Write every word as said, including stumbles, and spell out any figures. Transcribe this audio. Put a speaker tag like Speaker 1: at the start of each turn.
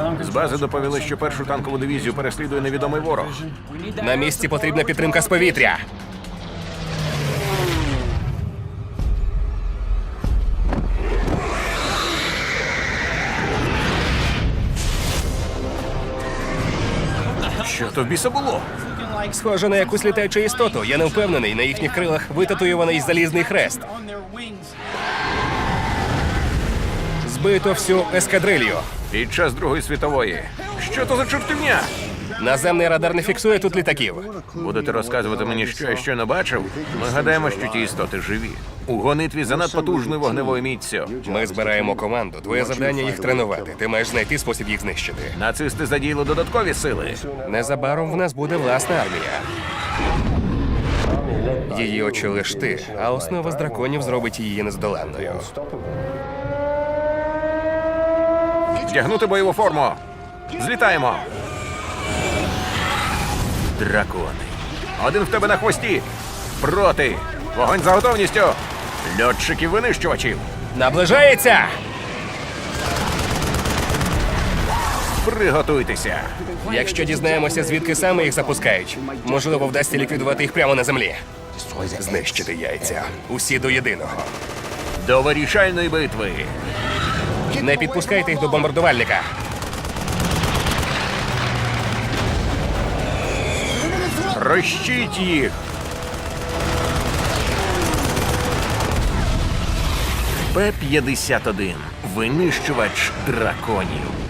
Speaker 1: З бази доповіли, що першу танкову дивізію переслідує невідомий ворог.
Speaker 2: На місці потрібна підтримка з повітря.
Speaker 1: Що то в біса було?
Speaker 2: Схоже на якусь літаючу істоту. Я не впевнений, на їхніх крилах витатуйований залізний хрест. Збито всю ескадрилью.
Speaker 1: Під час Другої світової. Що то за чортівня?
Speaker 2: Наземний радар не фіксує тут літаків.
Speaker 1: Будете розказувати мені, що я щойно бачив? Ми гадаємо, що ті істоти живі. У гонитві за надпотужною вогневою міццю.
Speaker 2: Ми збираємо команду. Твоє завдання їх тренувати. Ти маєш знайти спосіб їх знищити.
Speaker 1: Нацисти задіяли додаткові сили.
Speaker 2: Незабаром в нас буде власна армія. Її очолиш ти, а основа з драконів зробить її нездоланною.
Speaker 1: Вдягнути бойову форму. Злітаємо. Дракони. Один в тебе на хвості. Проти. Вогонь за готовністю. Льотчиків-винищувачів.
Speaker 2: Наближається!
Speaker 1: Приготуйтеся.
Speaker 2: Якщо дізнаємося, звідки саме їх запускають, можливо, вдасться ліквідувати їх прямо на землі. Знищити яйця. Усі до єдиного.
Speaker 1: До вирішальної битви.
Speaker 2: Не підпускайте їх до бомбардувальника.
Speaker 1: Трощіть їх. Пе п'ятдесят один. Винищувач драконів.